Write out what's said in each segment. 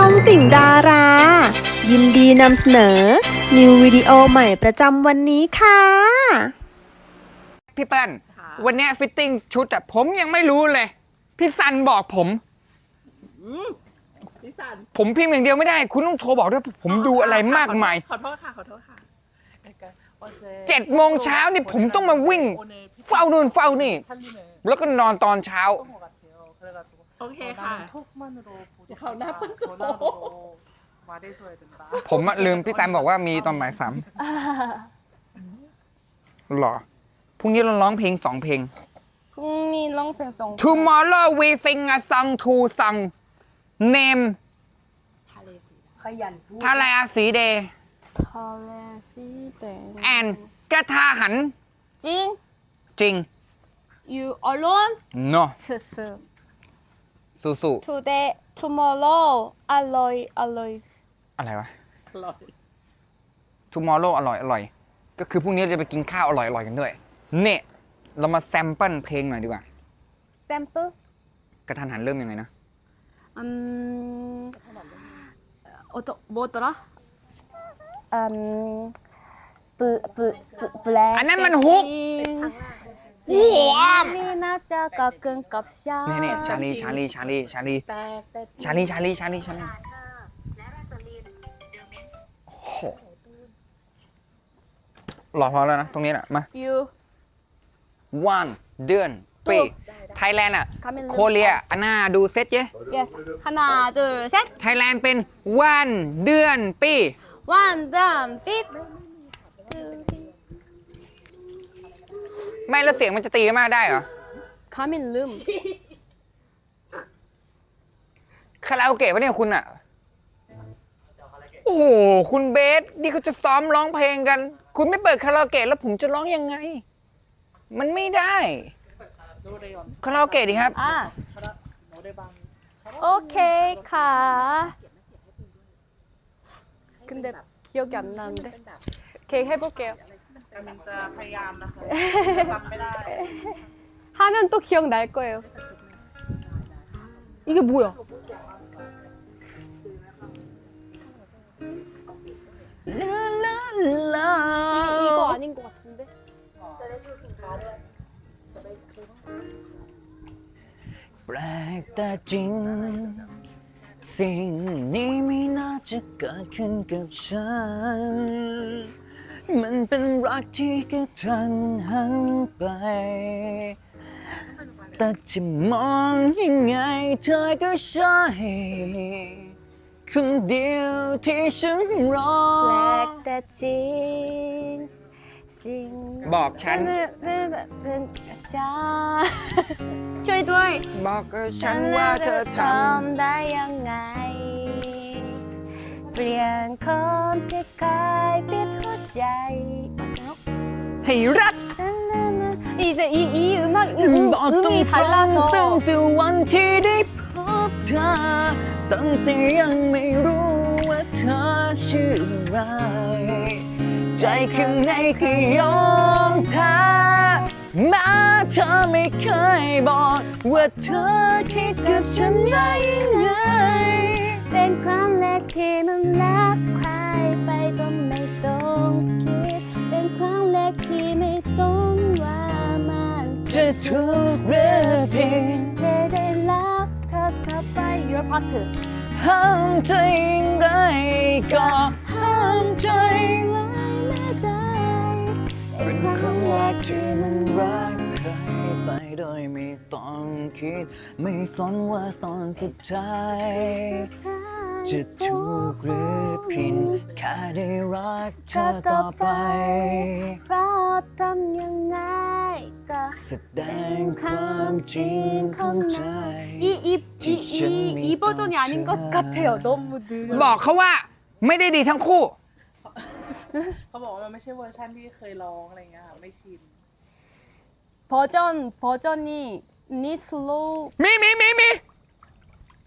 องติ่งดารา ยินดีนำเสนอ นิววิดีโอใหม่ประจำวันนี้ค่ะพี่เปิ้ลวันนี้ฟิตติ้งชุดผมยังไม่รู้เลย พี่ซันบอกผมพี่สันผมพิมพ์อย่างเดียวไม่ได้ คุณต้องโทรบอกด้วยผมดูอะไรมากมายขอโทษค่ะ 7 โมงเช้านี่ผมต้องมาวิ่งเฝ้านู่นเฝ้านี่ แล้วก็นอนตอนเช้าโอเคค่ะเขาหน้าปั้นโจผมลืมพี่ซันบอกว่ามีตอนบ่าย3หรอพรุ่งนี้เราร้องเพลง2 เพลงพรุ่งนี้ร้องเพลงสอง Tomorrow we sing a song to song name ทะเลสีเดย์ทะเลสีแดง and กระทาหันจริงจริง you alone no ซื่อสู้ today tomorrow อร่อยอร่อยๆอะไรวะ Tomorrow อร่อยก็คือพรุ่งนี้เราจะไปกินข้าวอร่อยกันด้วยเนี่ยเรามาแซมเปิลเพลงหน่อยดีกว่า sample กระทันหันเริ่มยังไงนะ 뭐더라 블랙 อันนั้นมันฮุกมีน่าจะกะกึ่งกับชานี่ชาลีแปลกโอ้โหรอพอแล้วนะตรงนี้แหละมา you วันเดือนปีไทยแลนด์โคเรียอันน่าดูเซตเย้ yes 하나 둘셋 ไทยแลนด์เป็นวันเดือนปี one down fit ไม่แล้วเสียงมันจะตีกันมากได้เหรอ 가민 름 คาราโอเกะวะเนี่ยคุณอะโอ้โหคุณเบสนี่เขาจะซ้อมร้องเพลงกัน คุณไม่เปิดคาราโอเกะแล้วผมจะร้องยังไง มันไม่ได้คาราโอเกะดิครับ 아 오케이 가 근데 기억이 안 나는데 오케이 해볼게요 มันจะพยายามนะคะจำไม่ได้ 하면 또 기억날 거예요 이게 뭐야 이거 아닌 것 같은데 แปลกแต่จริง สิ่งนี้ไม่น่าจะเกิดขึ้นกับฉัน มันเป็นรักที่กระทันหันไป แต่จะมองยังไงเธอก็ใช่คนเดียวที่ฉันรอ 블랙다진 บอกฉันช่วยด้วยบอกกับฉันว่าเธอทได้ยังไง เปลี่ยนคนที่กลายเป็นหัวใจำให้รัก 이제 이 음악 บอกตรง 음이 ตั้ง 달라서 แต่วันที่ได้พบเธอตั้งแต่ยังไม่รู้ว่าเธอชื่ออะไรใจข้างในก็ยอมแพ้แม้เธอไม่เคยบอกว่าเธอคิดกับฉันได้ยังไงเป็นครั้งแรกที่มันรักใครไปก็ไม่ต้องคิดเป็นครั้งแรกที่ไม่สนว่ามันจะถูกหรือผิดแค่ได้รักเธอเข้าไป your part ห้ามใจอย่างไรก็ห้ามใจไว้ไม่ได้เป็เป็น นคครั้รั้งงแรแรกกที่ที่มัมัน นรัรักกใครไปโดยไม่ต้องคิด ไม่สนว่าตอนสุดท้าย จะถูกหรือผิดแค่ได้รักเธอต่อไปเพราะทำยังไงก็แสดงความจริงเข้าใจ 이 버전이 아닌 것 같아요. 너무 느려. บอกเขาว่าไม่ได้ดีทั้งคู่เขาบอกว่ามันไม่ใช่เวอร์ชันที่เคยร้องอะไรเงี้ยค่ะไม่ชิน 버전이 니 슬로우 มีห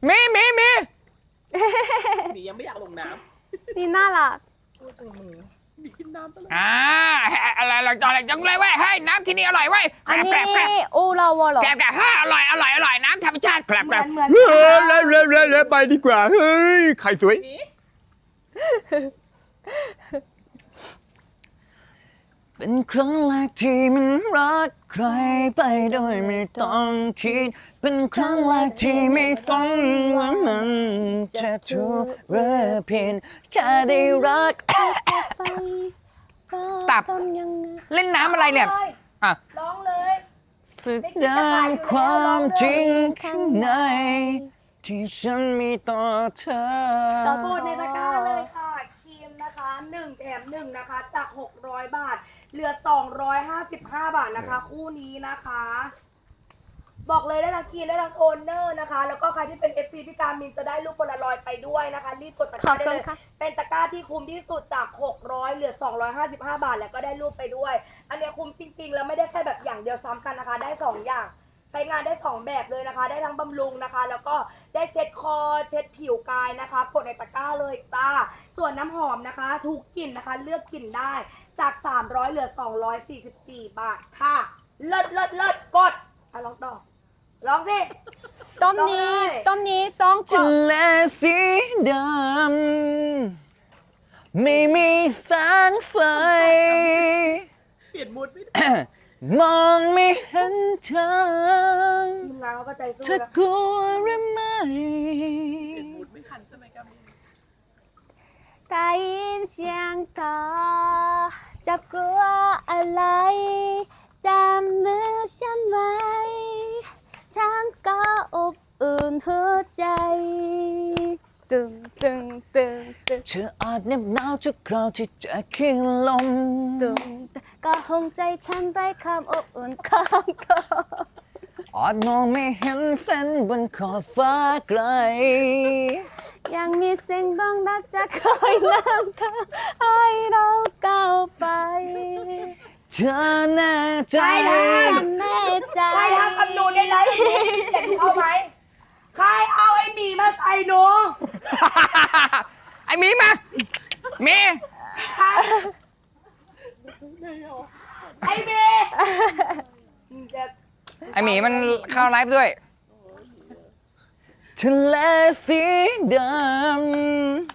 นียังไม่อยากลงน้ 니 나락 ำพูดถึงมือกินน้ำไปเลยอะไรจังเลยเว้ยเฮ้ยน้ำที่นี่อร่อยเว้ยอันนี้อูเราวอเหรอแกอร่อยน้ำธรรมชาติแกรบเหมือนเลยไปดีกว่าเฮ้ยไข่สวยเป็นครั้งแรกที่มันรักใครไปโดยไม่ต้องคิดเป็นครั้งแรกที่ไม่สนว่ามันจะถูกหรือผิดแค่ได้รัก ตับทำยังไงเล่นน้ำอะไรเนี่ยอ่ะร้องเลยสึกดานความจริงข้างในที่ฉันมีต่อเธอพูดในตะกร้าเลยค่ะครีมนะคะ1 แถม 1นะคะจาก600 บาทเหลือ255 บาทนะคะคู่นี้นะคะ บอกเลยได้ทั้งครีมได้ทั้งโทนเนอร์นะคะแล้วก็ใครที่เป็น FC พี่การมินจะได้รูปโพลารอยด์ไปด้วยนะคะรีบกดตะกร้าได้เลยเป็นตะกร้าที่คุ้มที่สุดจาก600เหลือ255 บาทแล้วก็ได้รูปไปด้วยอันเนี้ยคุ้มจริงๆแล้วไม่ได้แค่แบบอย่างเดียวซ้ำกันนะคะได้2อย่างใช้งานได้2แบบเลยนะคะได้ทั้งบำรุงนะคะแล้วก็ได้เช็ดคอเช็ดผิวกายนะคะกดในตะกร้าเลยจ้าส่วนน้ำหอมนะคะทุกกลิ่นนะคะเลือกกลิ่นได้จาก300เหลือ244 บาทค่ะเลิศกดลองต่อลองสิต้นนี้สองขทะวดเลสีดำไม่มีแสงไฟเปลี่ยนมูดไม่ได้มองไม่เห็นทางทีมงานเขาก็ใจสู้เธอนะกลัวหรือไม่เปลี่ยนมูดไม่ทันใช่ไหมกามินได้ยินเสียงต่อจะกลัวอะไรจำมือฉันไว้ฉันก็อบอุ่นหัวใจตึงเธออาจเหน็บหนาวทุกคราวที่จะขึ้นลมก็หงใจฉันด้วยความอบอุ่นของเธออาจมองไม่เห็นเส้นบนขอบฟ้าไกลยังมีเสียงบ้องรักจะคอยนำทางให้เราก้าวไปเธอแน่ใจฉันแน่ใจใครทำกับหนูได้ไรเจ็บเอาไหมใครเอาไอ้หมีมาใส่หนูไอ้หมีมาหมีไอ้หมีจะไอ้หมีมันเข้าไลฟ์ด้วยทะเลสีดำ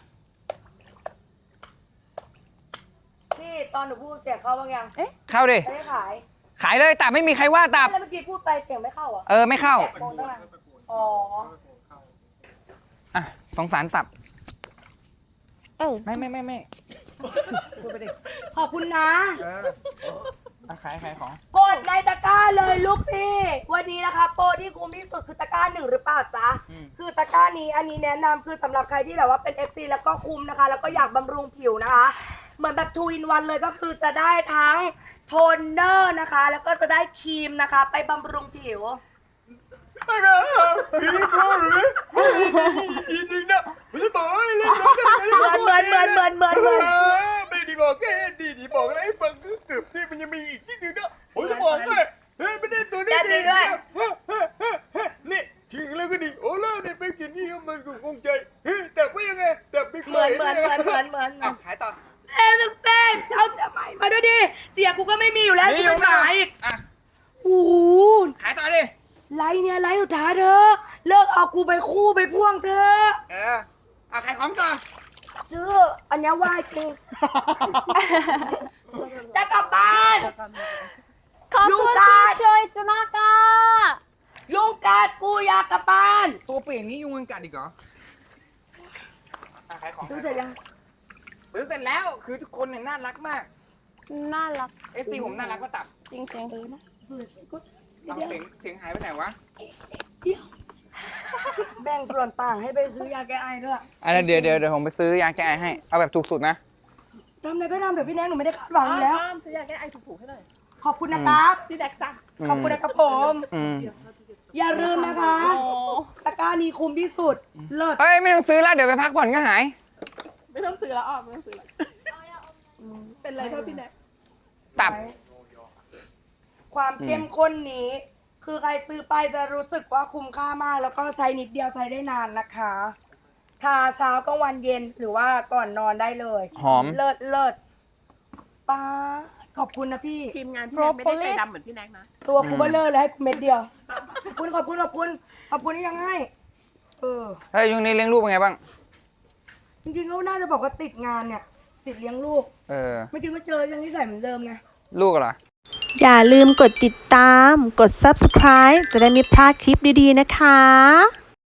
พี่ตอนหนูพูดเสียงเข้าบ้างยังเข้าดิไม่ได้ขายขายเลยตับไม่มีใครว่าตับแล้วเมื่อกี้พูดไปเสียงไม่เข้าเหรอไม่เข้าแตะโมงตั้งนานอ๋ออ่ะสงสารตับเออไม่พูดไปดิขอบคุณนะขายของกดในตะกร้าเลยลูกพี่ วันนี้นะคะโปรที่คุ้มที่สุดคือตะกร้า1หรือเปล่าจ๊ะ คือตะกร้านี้อันนี้แนะนำคือสำหรับใครที่แบบว่าเป็น FC แล้วก็คุ้มนะคะ แล้วก็อยากบำรุงผิวนะคะ เหมือนแบบ2 in 1เลยก็คือจะได้ทั้งโทนเนอร์นะคะ แล้วก็จะได้ครีมนะคะ ไปบำรุงผิว เหมือนไม่ได้บอกแค่ดีบอกอะไรให้ฟังคือเกือบนี่มันยังมีอีกที่นึงนะผมจะบอกเลยไม่ได้ตัวนี้แบบนี้ด้วยนี่จริงแล้วก็ดีโอ้แล้วเนี่ยไปกินนี่มันก็คงใจแต่ว่ายังไงแต่ไม่เคเหมือนยขายต่อเต้นเอาทำไมมาด้วยดิเสียกูก็ไม่มีอยู่แล้วที่จะขายอีกโอ้โหขายต่อดิไลน์เนี่ยไลน์สุดท้ายเธอเลิกเอากูไปคู่ไปพ่วงเธอขายของต่อซื้ออันเนี้ยว่าจริงจะกลับบ้านขอบลูคุกณตาที่ช่วยสนากายุงกัดกูอยากกลับบ้านตัวเปลี่ยนนี้ยุงมันกัดอีกเหรอขายของซื้อเสร็จยังซื้อเสร็จแล้วคือทุกคนเนี่ยน่ารักมากน่ารัก FC ผมน่ารักก็ตับจริงเอาเสียงหายไปไหนวะเดี๋ยวแบ่งส่วนต่างให้ไปซื้อยาแก้ไอด้วยเดี๋ยวผมไปซื้อยาแก้ไอให้เอาแบบถูกสุดนะทำอะไรก็ทำเดี๋ยวพี่แนงหนูไม่ได้คาดหวังอยู่แล้วซื้อยาแก้ไอถูกๆให้หน่อยขอบคุณนะครับพี่แดกสั่งขอบคุณนะครับผม อย่าลืมนะคะโอ้ตะกร้านี้คุ้มที่สุด เลิศเอ้ยไม่ต้องซื้อแล้วเดี๋ยวไปพักผ่อนก็หายไม่ต้องซื้อแล้วไม่ต้องซื้อแล้วเป็นไรเท่าพี่แดกตับความเข้มข้นนี้ คือใครซื้อไปจะรู้สึกว่าคุ้มค่ามาก แล้วก็ใช้นิดเดียวใช้ได้นานนะคะ ทาเช้ากลางวันเย็นหรือว่าก่อนนอนได้เลยหอมเลิศป้าขอบคุณนะพี่ทีมงานพี่แน็กไม่ได้ใจดำเหมือนพี่แน็กนะตัวกูเบลเลอร์เลยให้กูเม็ดเดียว ขอบคุณที่ยังให้เฮ้ยช่วงนี้เลี้ยงลูกเป็นไงบ้างจริงๆก็น่าจะบอกว่าติดงานเนี่ย ติดเลี้ยงลูก ไม่คิดว่าเจอยังที่ใส่เหมือนเดิมไงลูกเหรออย่าลืมกดติดตาม กด subscribe จะได้ไม่พลาดคลิปดีๆนะคะ